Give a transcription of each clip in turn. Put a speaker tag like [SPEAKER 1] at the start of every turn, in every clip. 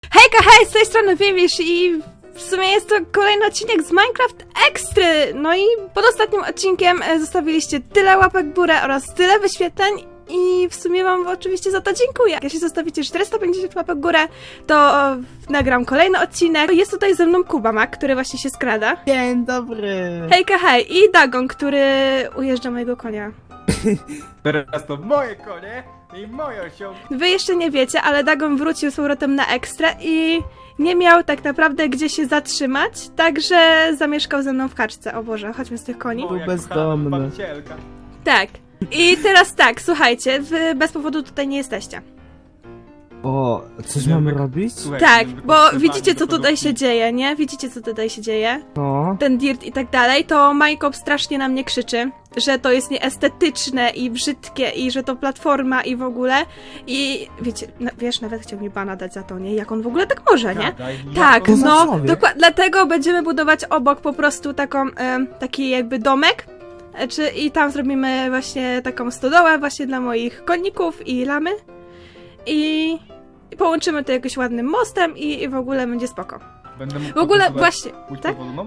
[SPEAKER 1] Hejka, hej, z tej strony Wiewisz i w sumie jest to kolejny odcinek z Minecraft Extry. No i pod ostatnim odcinkiem zostawiliście tyle łapek w górę oraz tyle wyświetleń i w sumie wam oczywiście za to dziękuję. Jeśli zostawicie 450 łapek w górę, to nagram kolejny odcinek. Jest tutaj ze mną Kubamak, który właśnie się skrada.
[SPEAKER 2] Dzień dobry!
[SPEAKER 1] Hejka, hej, i Dagon, który ujeżdża mojego konia.
[SPEAKER 3] Teraz to moje konie i moje osiągi.
[SPEAKER 1] Wy jeszcze nie wiecie, ale Dagon wrócił z powrotem na Ekstrę i nie miał tak naprawdę gdzie się zatrzymać, także zamieszkał ze mną w kaczce. O Boże, chodźmy z tych koni.
[SPEAKER 3] Moja
[SPEAKER 2] bezdomny.
[SPEAKER 3] kochana babcielka.
[SPEAKER 1] Tak. I teraz tak, słuchajcie, wy bez powodu tutaj nie jesteście.
[SPEAKER 2] O, coś mamy robić?
[SPEAKER 3] Słuchaj,
[SPEAKER 1] Tak,
[SPEAKER 3] żeby
[SPEAKER 1] bo
[SPEAKER 3] podsypali
[SPEAKER 1] widzicie co
[SPEAKER 3] do
[SPEAKER 1] tutaj się
[SPEAKER 3] lodówki.
[SPEAKER 1] dzieje, nie? Widzicie co tutaj się dzieje?
[SPEAKER 2] No.
[SPEAKER 1] Ten dirt i tak dalej, to Minecraft strasznie na mnie krzyczy, że to jest nieestetyczne i brzydkie i że to platforma i w ogóle. I wiecie, wiesz, nawet chciał mi bana dać za to, nie? Jak on w ogóle tak może, nie?
[SPEAKER 3] Gadaj,
[SPEAKER 1] Tak,
[SPEAKER 3] jak on-
[SPEAKER 1] no,
[SPEAKER 2] człowiek.
[SPEAKER 1] dokładnie, dlatego będziemy budować obok po prostu taką, taki jakby domek, i tam zrobimy właśnie taką stodołę właśnie dla moich konników i lamy i połączymy to jakoś ładnym mostem i w ogóle będzie spoko.
[SPEAKER 3] Będę mógł
[SPEAKER 1] W ogóle
[SPEAKER 3] pokazywać
[SPEAKER 1] właśnie,
[SPEAKER 3] płóć
[SPEAKER 1] tak?
[SPEAKER 3] powolną?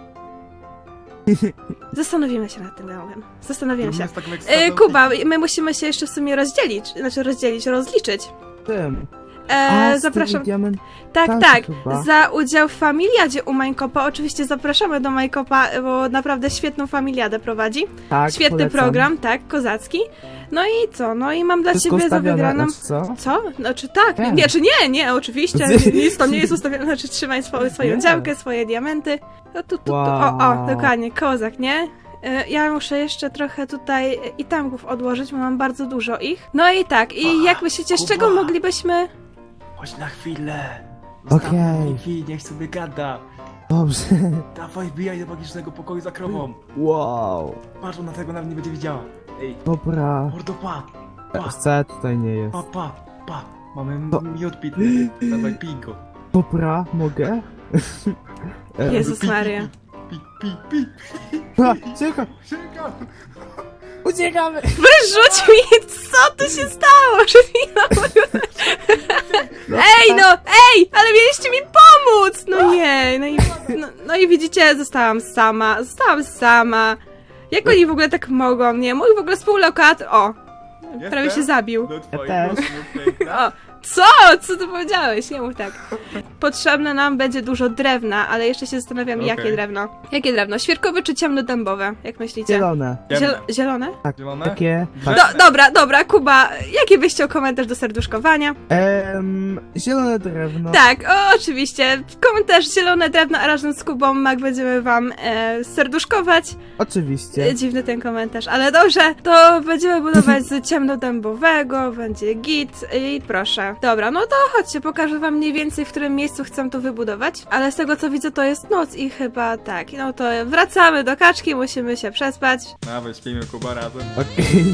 [SPEAKER 1] Zastanowimy się nad tym domem, zastanowimy się.
[SPEAKER 3] Zróbmy z taką ekstrazą
[SPEAKER 1] Kuba, my musimy się jeszcze w sumie rozliczyć.
[SPEAKER 2] Tym.
[SPEAKER 1] Zapraszam.
[SPEAKER 2] Diament.
[SPEAKER 1] Tak,
[SPEAKER 2] Tak,
[SPEAKER 1] tak.
[SPEAKER 2] chyba.
[SPEAKER 1] Za udział w familiadzie u Minecrafta. Oczywiście zapraszamy do Minecrafta, bo naprawdę świetną familiadę prowadzi.
[SPEAKER 2] Tak,
[SPEAKER 1] Świetny
[SPEAKER 2] polecam.
[SPEAKER 1] program, tak, kozacki. No i co? No i mam dla
[SPEAKER 2] Wszystko
[SPEAKER 1] ciebie za
[SPEAKER 2] ustawione,
[SPEAKER 1] wygraną.
[SPEAKER 2] znaczy co?
[SPEAKER 1] Co? Znaczy tak,
[SPEAKER 2] Tak.
[SPEAKER 1] nie, czy nie, oczywiście. Nic tam nie jest ustawione, znaczy trzymaj swoją
[SPEAKER 2] Nie.
[SPEAKER 1] działkę, swoje diamenty. No tu.
[SPEAKER 2] Wow.
[SPEAKER 1] O, dokładnie, kozak, nie? Ja muszę jeszcze trochę tutaj itemków odłożyć, bo mam bardzo dużo ich. No i tak, i jak myślicie, z czego
[SPEAKER 3] Kuba.
[SPEAKER 1] moglibyśmy...
[SPEAKER 3] Chodź na chwilę.
[SPEAKER 2] Okej.
[SPEAKER 3] Zostaw niech sobie gada.
[SPEAKER 2] Dobrze.
[SPEAKER 3] Dawaj, wbijaj do magicznego pokoju za krową.
[SPEAKER 2] Wow.
[SPEAKER 3] Patrz, ona tego nawet nie będzie widziała. Ej,
[SPEAKER 2] Dobra.
[SPEAKER 3] mordo, pa.
[SPEAKER 2] Wcale tutaj nie jest.
[SPEAKER 3] Pa. Mamy
[SPEAKER 2] To-
[SPEAKER 3] miód pitny. Dawaj, pij go.
[SPEAKER 2] Dobra, mogę?
[SPEAKER 1] Jezus
[SPEAKER 3] Pi, pi,
[SPEAKER 1] Maria.
[SPEAKER 3] Pi.
[SPEAKER 2] A, cicho!
[SPEAKER 3] Sięgam.
[SPEAKER 2] Uciekamy!
[SPEAKER 1] Wyrzuć mi! Co tu się stało? Że Ej, ale mieliście mi pomóc! No nie, no i widzicie, zostałam sama. Jak oni w ogóle tak mogą, nie? Mój w ogóle współlokator, prawie się zabił.
[SPEAKER 3] Do twoich
[SPEAKER 2] też.
[SPEAKER 3] nóżków, piękna.
[SPEAKER 1] O, co ty powiedziałeś? Nie mów tak. Potrzebne nam będzie dużo drewna, ale jeszcze się zastanawiam,
[SPEAKER 3] Okej.
[SPEAKER 1] jakie drewno. Jakie drewno? Świerkowe czy ciemnodębowe? Jak myślicie?
[SPEAKER 2] Zielone.
[SPEAKER 1] Zielone?
[SPEAKER 2] Tak,
[SPEAKER 3] Zielone?
[SPEAKER 2] takie...
[SPEAKER 1] Dobra, Kuba, jaki byś chciał komentarz do serduszkowania?
[SPEAKER 2] Zielone drewno.
[SPEAKER 1] Tak, oczywiście. Komentarz zielone drewno, a razem z Kubą Mak będziemy wam serduszkować.
[SPEAKER 2] Oczywiście.
[SPEAKER 1] Dziwny ten komentarz, ale dobrze, to będziemy budować z ciemnodębowego, będzie git i proszę. Dobra, no to chodźcie, pokażę wam mniej więcej, w którym miejscu chcę to wybudować, ale z tego co widzę to jest noc i chyba tak, no to wracamy do kaczki, musimy się przespać.
[SPEAKER 3] Nawet śpimy, Kuba, razem.
[SPEAKER 2] Okej.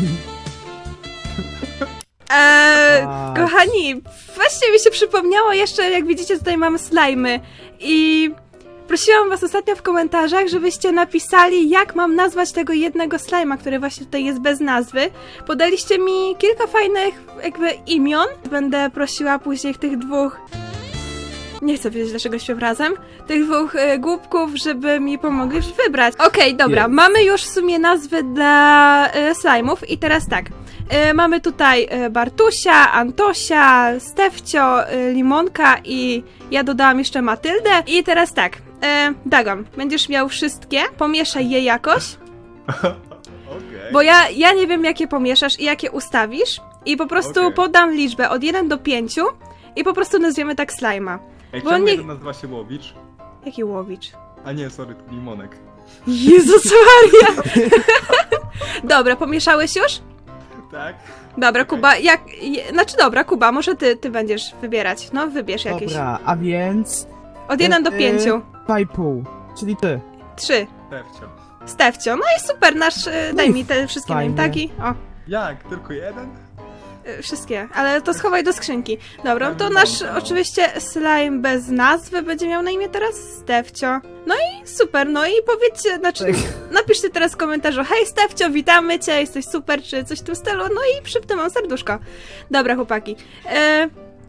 [SPEAKER 2] Tak.
[SPEAKER 1] Kochani, właśnie mi się przypomniało jeszcze, jak widzicie, tutaj mamy slajmy i prosiłam was ostatnio w komentarzach, żebyście napisali, jak mam nazwać tego jednego slajma, który właśnie tutaj jest bez nazwy. Podaliście mi kilka fajnych jakby imion. Będę prosiła później tych dwóch... Nie chcę wiedzieć, dlaczego śpiewam razem. Tych dwóch głupków, żeby mi pomogli wybrać. Okej, dobra,
[SPEAKER 2] Jest.
[SPEAKER 1] mamy już w sumie nazwy dla slajmów i teraz tak. Mamy tutaj Bartusia, Antosia, Stefcio, Limonka i ja dodałam jeszcze Matyldę. I teraz tak, Dagon, będziesz miał wszystkie, pomieszaj je jakoś,
[SPEAKER 3] Okej.
[SPEAKER 1] bo ja nie wiem jakie pomieszasz i jakie ustawisz i po prostu
[SPEAKER 3] Okej.
[SPEAKER 1] podam liczbę od 1 do 5 i po prostu nazwiemy tak slajma.
[SPEAKER 3] Ej,
[SPEAKER 1] bo
[SPEAKER 3] czemu
[SPEAKER 1] nie-
[SPEAKER 3] jeden nazywa się Łowicz?
[SPEAKER 1] Jaki łowicz?
[SPEAKER 3] A nie, sorry, to Limonek.
[SPEAKER 1] Jezus Maria! Dobra, pomieszałeś już?
[SPEAKER 3] Tak?
[SPEAKER 1] Dobra,
[SPEAKER 3] Okej.
[SPEAKER 1] Kuba, dobra, Kuba, może ty będziesz wybierać. No, wybierz jakieś.
[SPEAKER 2] Dobra, a więc...
[SPEAKER 1] Od 1 do 5.
[SPEAKER 2] 2,5. Czyli ty.
[SPEAKER 1] 3.
[SPEAKER 3] Tefcio.
[SPEAKER 1] Stefcio. No i super, daj
[SPEAKER 2] i
[SPEAKER 1] mi te wszystkie
[SPEAKER 2] fajnie.
[SPEAKER 1] taki. O,
[SPEAKER 3] Jak? Tylko jeden?
[SPEAKER 1] wszystkie, ale to schowaj do skrzynki. Dobra, no to
[SPEAKER 3] Fajny
[SPEAKER 1] nasz
[SPEAKER 3] pomysł.
[SPEAKER 1] oczywiście slime bez nazwy będzie miał na imię teraz Stefcio. No i super, no i powiedzcie, napiszcie teraz w komentarzu: hej Stefcio, witamy cię, jesteś super, czy coś w tym stylu, no i przypnę mam serduszko. Dobra, chłopaki.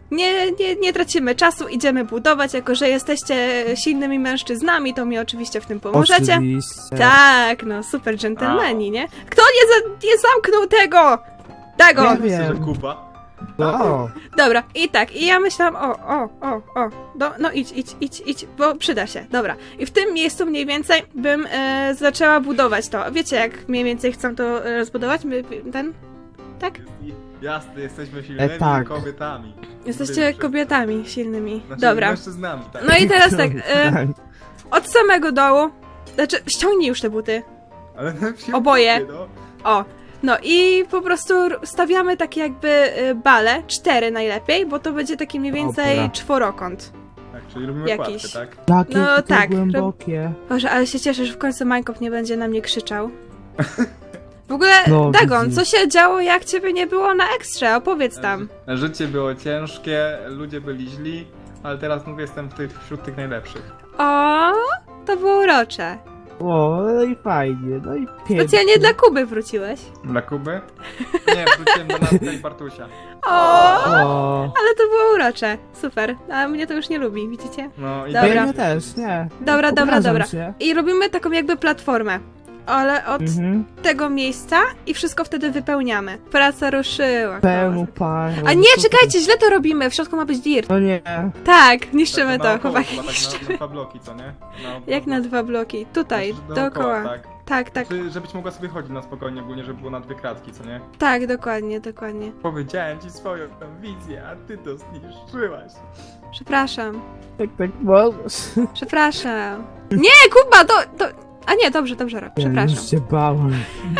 [SPEAKER 1] nie tracimy czasu, idziemy budować, jako że jesteście silnymi mężczyznami, to mi oczywiście w tym pomożecie.
[SPEAKER 2] Oczywiście.
[SPEAKER 1] Tak, no super dżentelmeni, nie? Kto nie zamknął tego? Tego!
[SPEAKER 2] Nie
[SPEAKER 3] Myślę, że
[SPEAKER 2] wiem.
[SPEAKER 3] Kuba.
[SPEAKER 2] O,
[SPEAKER 1] Dobra, i tak, i ja myślałam, no idź, bo przyda się, dobra. I w tym miejscu mniej więcej bym zaczęła budować to. Wiecie, jak mniej więcej chcę to rozbudować? Tak?
[SPEAKER 3] Jasne, jesteśmy silnymi
[SPEAKER 2] tak.
[SPEAKER 3] kobietami.
[SPEAKER 1] Jesteście kobietami silnymi.
[SPEAKER 3] Znaczy,
[SPEAKER 1] Dobra.
[SPEAKER 3] mężczyznami, tak.
[SPEAKER 1] No i teraz tak,
[SPEAKER 2] tak.
[SPEAKER 1] od samego dołu, znaczy ściągnij już te buty.
[SPEAKER 3] Ale
[SPEAKER 1] Oboje.
[SPEAKER 3] No.
[SPEAKER 1] O, no i po prostu stawiamy takie jakby bale, 4 najlepiej, bo to będzie taki mniej więcej
[SPEAKER 2] Dobra.
[SPEAKER 1] czworokąt.
[SPEAKER 3] Tak, czyli robimy
[SPEAKER 1] Jakiś.
[SPEAKER 3] kładkę, tak?
[SPEAKER 2] Jakie
[SPEAKER 1] No
[SPEAKER 2] to
[SPEAKER 1] tak,
[SPEAKER 2] głębokie.
[SPEAKER 1] Boże, ale się cieszę, że w końcu Minecraft nie będzie na mnie krzyczał. W ogóle,
[SPEAKER 2] No,
[SPEAKER 1] Dagon,
[SPEAKER 2] widzisz.
[SPEAKER 1] co się działo, jak ciebie nie było na ekstrze? Opowiedz tam.
[SPEAKER 3] Życie było ciężkie, ludzie byli źli, ale teraz mówię, jestem wśród tych najlepszych.
[SPEAKER 1] O, to było urocze.
[SPEAKER 2] O, no i fajnie, no i pięknie.
[SPEAKER 1] Specjalnie dla Kuby wróciłeś.
[SPEAKER 3] Dla Kuby? Nie, wróciłem do Natka i Bartusia.
[SPEAKER 2] O,
[SPEAKER 1] Ale to było urocze. Super. A mnie to już nie lubi, widzicie?
[SPEAKER 3] No i
[SPEAKER 1] Dobra.
[SPEAKER 2] mnie też, nie.
[SPEAKER 1] Dobra.
[SPEAKER 2] Obrażam się.
[SPEAKER 1] I robimy taką jakby platformę. Ale od
[SPEAKER 2] Mhm.
[SPEAKER 1] tego miejsca i wszystko wtedy wypełniamy. Praca ruszyła.
[SPEAKER 2] Pełną parą.
[SPEAKER 1] A nie, czekajcie, źle to robimy. W środku ma być dirt.
[SPEAKER 2] No nie.
[SPEAKER 1] Tak, niszczymy to,
[SPEAKER 3] naokoło,
[SPEAKER 1] chłopaki.
[SPEAKER 3] chyba tak na 2 bloki, co nie?
[SPEAKER 1] Jak na 2 bloki? Tutaj,
[SPEAKER 3] Znaczy,
[SPEAKER 1] dookoła.
[SPEAKER 3] Tak.
[SPEAKER 1] Tak.
[SPEAKER 3] Żebyś mogła sobie chodzić na spokojnie, ogólnie, żeby było na 2 kratki, co nie?
[SPEAKER 1] Tak, dokładnie.
[SPEAKER 3] Powiedziałem ci swoją wizję, a ty to zniszczyłaś.
[SPEAKER 1] Przepraszam.
[SPEAKER 2] Tak możesz.
[SPEAKER 1] Przepraszam. Nie, Kuba, to... A nie, dobrze robię.
[SPEAKER 2] Ja
[SPEAKER 1] Przepraszam.
[SPEAKER 2] już się bałem.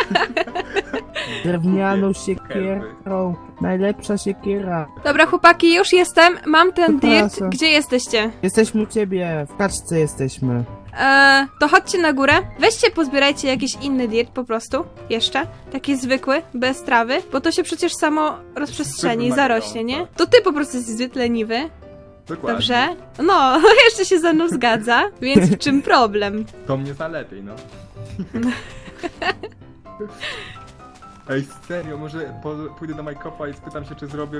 [SPEAKER 2] Drewnianą siekierą. Najlepsza siekiera.
[SPEAKER 1] Dobra, chłopaki, już jestem. Mam ten dirt.
[SPEAKER 2] Przepraszam.
[SPEAKER 1] Gdzie jesteście?
[SPEAKER 2] Jesteśmy u ciebie. W kaczce jesteśmy.
[SPEAKER 1] To chodźcie na górę. Weźcie, pozbierajcie jakiś inny dirt po prostu. Jeszcze. Taki zwykły, bez trawy. Bo to się przecież samo rozprzestrzeni,
[SPEAKER 3] Zwykły
[SPEAKER 1] zarośnie,
[SPEAKER 3] magnum,
[SPEAKER 1] nie?
[SPEAKER 3] tak.
[SPEAKER 1] To ty po prostu jesteś zbyt leniwy.
[SPEAKER 3] Dokładnie.
[SPEAKER 1] Dobrze? No, jeszcze się ze mną zgadza. Więc w czym problem?
[SPEAKER 3] To mnie zalepiej, no. Ej, serio, może pójdę do Majkopa i spytam się, czy zrobię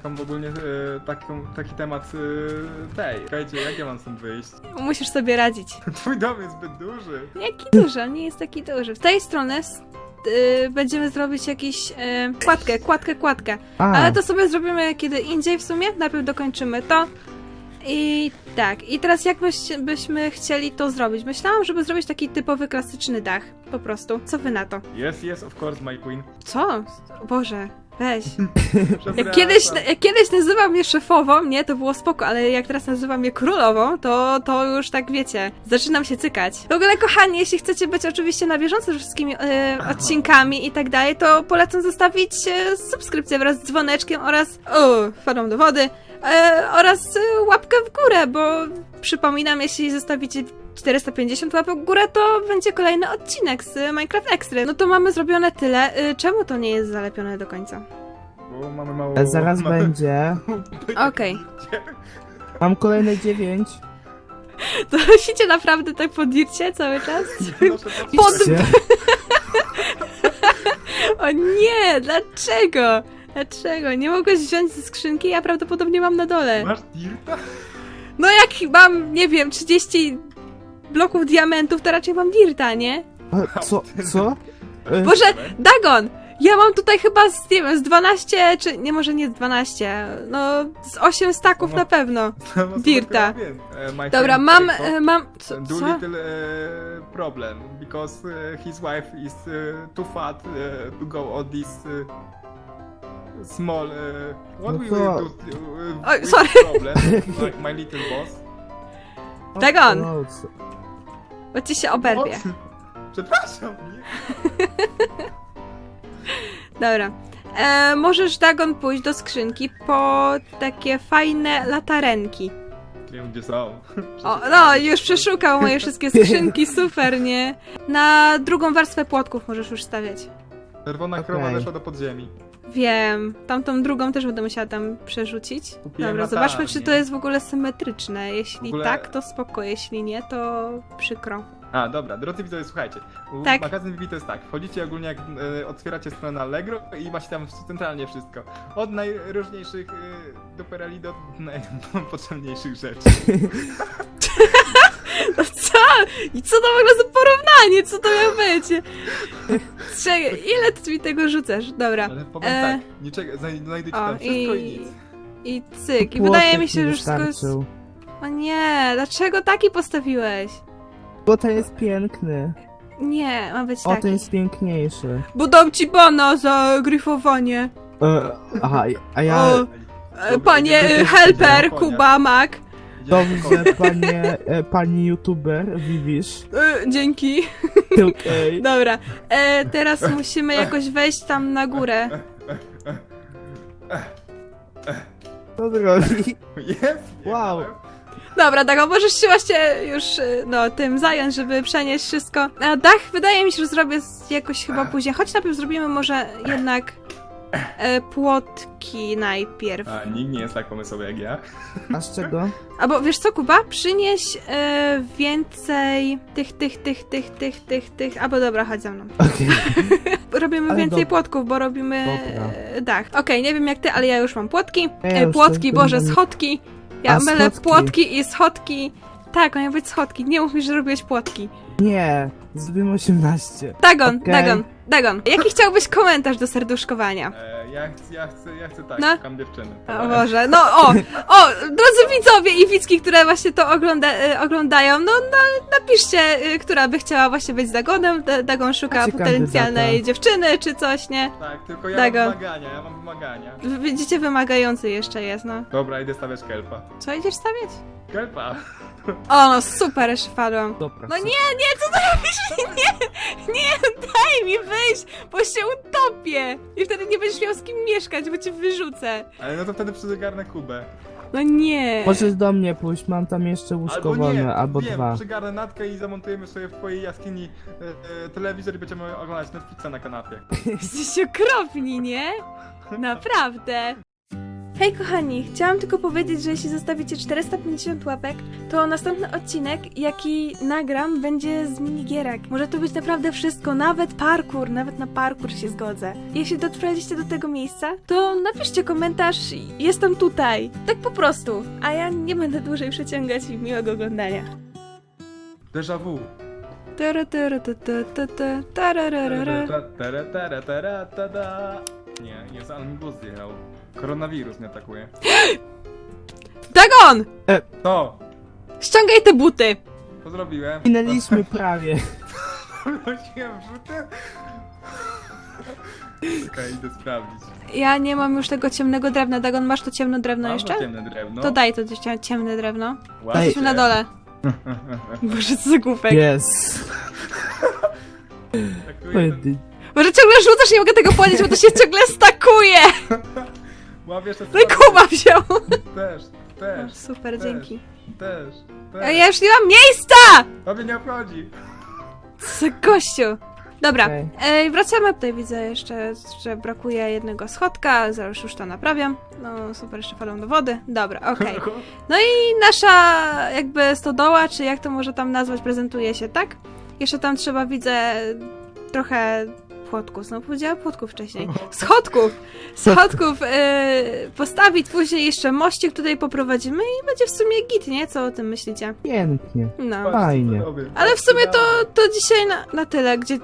[SPEAKER 3] taki temat tej. Czekajcie, jak ja mam stąd wyjść?
[SPEAKER 1] Musisz sobie radzić.
[SPEAKER 3] Twój dom jest zbyt duży.
[SPEAKER 1] Jaki duży, on nie jest taki duży. W tej stronie będziemy zrobić jakiś kładkę. Ale to sobie zrobimy kiedy indziej w sumie. Najpierw dokończymy to. I tak, i teraz jak byśmy chcieli to zrobić? Myślałam, żeby zrobić taki typowy, klasyczny dach. Po prostu. Co wy na to?
[SPEAKER 3] Yes, of course, my queen.
[SPEAKER 1] Co? O Boże, weź.
[SPEAKER 3] Przepraszam.
[SPEAKER 1] Jak kiedyś nazywał mnie szefową, nie, to było spoko, ale jak teraz nazywam mnie królową, to już tak wiecie, zaczynam się cykać. W ogóle, kochani, jeśli chcecie być oczywiście na bieżąco ze wszystkimi odcinkami i tak dalej, to polecam zostawić subskrypcję wraz z dzwoneczkiem oraz, wpadłam do wody, oraz łapkę w górę, bo przypominam, jeśli zostawicie 450 łapek w górę, to będzie kolejny odcinek z Minecraft Extra. No to mamy zrobione tyle. Czemu to nie jest zalepione do końca?
[SPEAKER 3] Bo mamy mało...
[SPEAKER 2] Zaraz będzie.
[SPEAKER 1] Okej.
[SPEAKER 2] Mam kolejne 9.
[SPEAKER 1] To siecie naprawdę tak po dircie cały czas?
[SPEAKER 2] Idźcie.
[SPEAKER 1] O nie, dlaczego? Dlaczego? Nie mogłeś wziąć ze skrzynki? Ja prawdopodobnie mam na dole.
[SPEAKER 3] Masz dirta?
[SPEAKER 1] No jak mam, nie wiem, 30 bloków diamentów, to raczej mam dirta, nie?
[SPEAKER 2] A, co?
[SPEAKER 1] Boże, Dagon! Ja mam tutaj chyba z, nie wiem, z 12, czy nie, może nie z 12, no z 8 staków
[SPEAKER 3] No.
[SPEAKER 1] na pewno. Dirta.
[SPEAKER 3] My
[SPEAKER 1] Dobra,
[SPEAKER 3] friend
[SPEAKER 1] mam,
[SPEAKER 3] Jacob
[SPEAKER 1] mam, co?
[SPEAKER 3] do little problem because his wife is too fat to go on this small what
[SPEAKER 2] No
[SPEAKER 3] we
[SPEAKER 2] to-
[SPEAKER 3] will do
[SPEAKER 1] Oj,
[SPEAKER 3] with
[SPEAKER 1] sorry.
[SPEAKER 3] problem my little boss.
[SPEAKER 1] Dagon!
[SPEAKER 2] O, co?
[SPEAKER 1] Bo ci się oberwie.
[SPEAKER 3] Przepraszam.
[SPEAKER 1] Dobra. Możesz, Dagon, pójść do skrzynki po takie fajne latarenki.
[SPEAKER 3] Nie wiem gdzie są.
[SPEAKER 1] O, no, już przeszukał moje wszystkie skrzynki, super, nie? Na drugą warstwę płotków możesz już stawiać.
[SPEAKER 3] Czerwona krowa
[SPEAKER 2] Okej.
[SPEAKER 3] weszła do podziemi.
[SPEAKER 1] Wiem, tamtą drugą też będę musiała tam przerzucić.
[SPEAKER 3] Kupiłem
[SPEAKER 1] Dobra,
[SPEAKER 3] latarnię.
[SPEAKER 1] zobaczmy, czy to jest w ogóle symetryczne. Jeśli
[SPEAKER 3] W ogóle-
[SPEAKER 1] tak, to spoko, jeśli nie, to przykro.
[SPEAKER 3] A, dobra, drodzy widzowie, słuchajcie.
[SPEAKER 1] Tak.
[SPEAKER 3] Magazyn Vivi to jest tak, wchodzicie ogólnie jak otwieracie stronę na Allegro i macie tam centralnie wszystko. Od najróżniejszych dupereli do najpotrzebniejszych rzeczy.
[SPEAKER 1] No co? I co to w ogóle za porównanie? Co to miało być? Czekaj, ile ty mi tego rzucasz? Dobra.
[SPEAKER 3] Ale powiem tak, niczego, znajdujecie tam wszystko i nic.
[SPEAKER 1] I cyk. I
[SPEAKER 2] Płotek
[SPEAKER 1] wydaje mi się,
[SPEAKER 2] mi
[SPEAKER 1] że wszystko jest...
[SPEAKER 2] wystarczył.
[SPEAKER 1] O nie, dlaczego taki postawiłeś?
[SPEAKER 2] Bo ten jest piękny.
[SPEAKER 1] Nie, ma być
[SPEAKER 2] O, ten
[SPEAKER 1] taki.
[SPEAKER 2] jest piękniejszy.
[SPEAKER 1] Bo dam ci bana za gryfowanie.
[SPEAKER 2] Aha, a ja...
[SPEAKER 1] O, panie helper, Kuba, Mac.
[SPEAKER 2] Dobrze, pani youtuber, Vivisz.
[SPEAKER 1] Dzięki.
[SPEAKER 2] Okej.
[SPEAKER 1] Dobra, teraz musimy jakoś wejść tam na górę.
[SPEAKER 2] Co zrobi?
[SPEAKER 3] Jest!
[SPEAKER 2] Wow.
[SPEAKER 1] Dobra, Dago, możesz się właśnie już no, tym zająć, żeby przenieść wszystko. A dach wydaje mi się, że zrobię jakoś chyba później. Choć najpierw zrobimy może jednak płotki najpierw.
[SPEAKER 3] A, nikt nie jest tak pomysłowy jak ja.
[SPEAKER 2] A z czego?
[SPEAKER 1] Albo wiesz co, Kuba? Przynieś więcej tych. Albo dobra, chodź ze mną.
[SPEAKER 2] Okej.
[SPEAKER 1] Robimy
[SPEAKER 2] Ale
[SPEAKER 1] więcej
[SPEAKER 2] dob-
[SPEAKER 1] płotków, bo robimy
[SPEAKER 2] Dobra.
[SPEAKER 1] dach. Okej, nie wiem jak ty, ale ja już mam płotki.
[SPEAKER 2] Ja już
[SPEAKER 1] Płotki,
[SPEAKER 2] też
[SPEAKER 1] Boże,
[SPEAKER 2] będę-
[SPEAKER 1] schodki. Ja
[SPEAKER 2] A,
[SPEAKER 1] mylę
[SPEAKER 2] schodki.
[SPEAKER 1] płotki i schodki. Tak, mają być schodki. Nie mów mi, że robiłeś płotki.
[SPEAKER 2] Nie, zrobimy 18.
[SPEAKER 1] Dagon,
[SPEAKER 2] Okej.
[SPEAKER 1] Dagon. Jaki chciałbyś komentarz do serduszkowania?
[SPEAKER 3] Ja chcę tak,
[SPEAKER 1] No.
[SPEAKER 3] szukam dziewczyny.
[SPEAKER 1] O Boże, no drodzy widzowie i widzki, które właśnie to oglądają, no napiszcie, która by chciała właśnie być z Dagonem. Dagon szuka
[SPEAKER 2] Macie
[SPEAKER 1] potencjalnej
[SPEAKER 2] kandydata.
[SPEAKER 1] dziewczyny czy coś, nie?
[SPEAKER 3] Tak, tylko ja
[SPEAKER 1] Dago.
[SPEAKER 3] mam wymagania.
[SPEAKER 1] Widzicie, wymagający jeszcze jest, no.
[SPEAKER 3] Dobra, idę stawiać kelpa.
[SPEAKER 1] Co idziesz stawiać?
[SPEAKER 3] Kelpa!
[SPEAKER 1] O, no super, jeszcze wpadłam.
[SPEAKER 2] Dobra.
[SPEAKER 1] No nie, co ty robisz? Nie, daj mi wyjść, bo się utopię. I wtedy nie będziesz miał z kim mieszkać, bo cię wyrzucę.
[SPEAKER 3] Ale no to wtedy przygarnę Kubę.
[SPEAKER 1] No nie.
[SPEAKER 2] Możesz do mnie pójść, mam tam jeszcze łóżko wolne, albo
[SPEAKER 3] wiem,
[SPEAKER 2] dwa.
[SPEAKER 3] przygarnę Natkę i zamontujemy sobie w twojej jaskini telewizor i będziemy oglądać Netflixa na kanapie.
[SPEAKER 1] Jesteście okropni, nie? Naprawdę. Hej kochani, chciałam tylko powiedzieć, że jeśli zostawicie 450 łapek, to następny odcinek, jaki nagram, będzie z minigierek. Może to być naprawdę wszystko, nawet parkour, nawet na parkour się zgodzę. Jeśli dotrwaliście do tego miejsca, to napiszcie komentarz, jestem tutaj. Tak po prostu. A ja nie będę dłużej przeciągać i miłego oglądania.
[SPEAKER 3] Déjà vu. Nie, jest, ale mi głos zjechał. Koronawirus mnie atakuje.
[SPEAKER 1] Dagon!
[SPEAKER 3] To!
[SPEAKER 1] Ściągaj te buty!
[SPEAKER 3] Co zrobiłem?
[SPEAKER 2] Minęliśmy prawie.
[SPEAKER 3] Wróciłem wrzuty? Okej, idę sprawdzić.
[SPEAKER 1] Ja nie mam już tego ciemnego drewna. Dagon, masz to ciemne drewno
[SPEAKER 3] Mam
[SPEAKER 1] jeszcze?
[SPEAKER 3] to ciemne drewno.
[SPEAKER 1] To daj to ciemne drewno.
[SPEAKER 3] Ładnie.
[SPEAKER 1] Jesteśmy na dole. Boże, co za głupek.
[SPEAKER 2] Jest.
[SPEAKER 3] Traktuję ten-
[SPEAKER 1] Boże, ciągle rzucasz, nie mogę tego podnieść, bo to się ciągle stakuje!
[SPEAKER 3] Łapię jeszcze
[SPEAKER 1] No i Kuba wziął!
[SPEAKER 3] Też.
[SPEAKER 1] O, super, dzięki.
[SPEAKER 3] Też.
[SPEAKER 1] A ja już nie mam miejsca!
[SPEAKER 3] Tobie nie obchodzi.
[SPEAKER 1] Co za gościu. Dobra,
[SPEAKER 2] Okej.
[SPEAKER 1] wracamy. Tutaj widzę jeszcze, że brakuje jednego schodka, zaraz już to naprawiam. No super, jeszcze falą do wody. Dobra, okej. No i nasza jakby stodoła, czy jak to może tam nazwać, prezentuje się, tak? Jeszcze tam trzeba, widzę, trochę płotków. No powiedziałam płotków wcześniej. Schodków postawić, później jeszcze mościk tutaj poprowadzimy i będzie w sumie git, nie? Co o tym myślicie?
[SPEAKER 2] Pięknie.
[SPEAKER 1] No.
[SPEAKER 2] Fajnie.
[SPEAKER 1] Ale w sumie to dzisiaj na tyle, gdzie...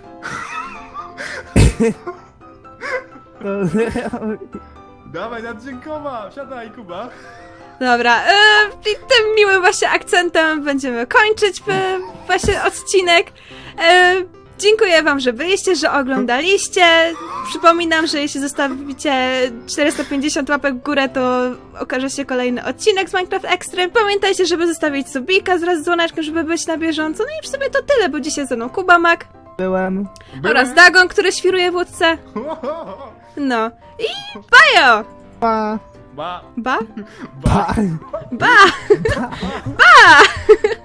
[SPEAKER 3] Dawaj, naddziękowa! Wsiadaj, Kuba!
[SPEAKER 1] Dobra, i tym miłym właśnie akcentem będziemy kończyć właśnie odcinek. Dziękuję wam, że byliście, że oglądaliście. Przypominam, że jeśli zostawicie 450 łapek w górę, to okaże się kolejny odcinek z Minecraft Extreme. Pamiętajcie, żeby zostawić subika wraz z dzwoneczkiem, żeby być na bieżąco. No i w sumie to tyle, bo dzisiaj ze mną Kuba Mac
[SPEAKER 2] Byłem.
[SPEAKER 1] oraz Dagon, który świruje w łódce. No i bajo!
[SPEAKER 2] Pa.
[SPEAKER 3] Ba!
[SPEAKER 1] Ba?
[SPEAKER 2] Pa.
[SPEAKER 1] Ba! Ba!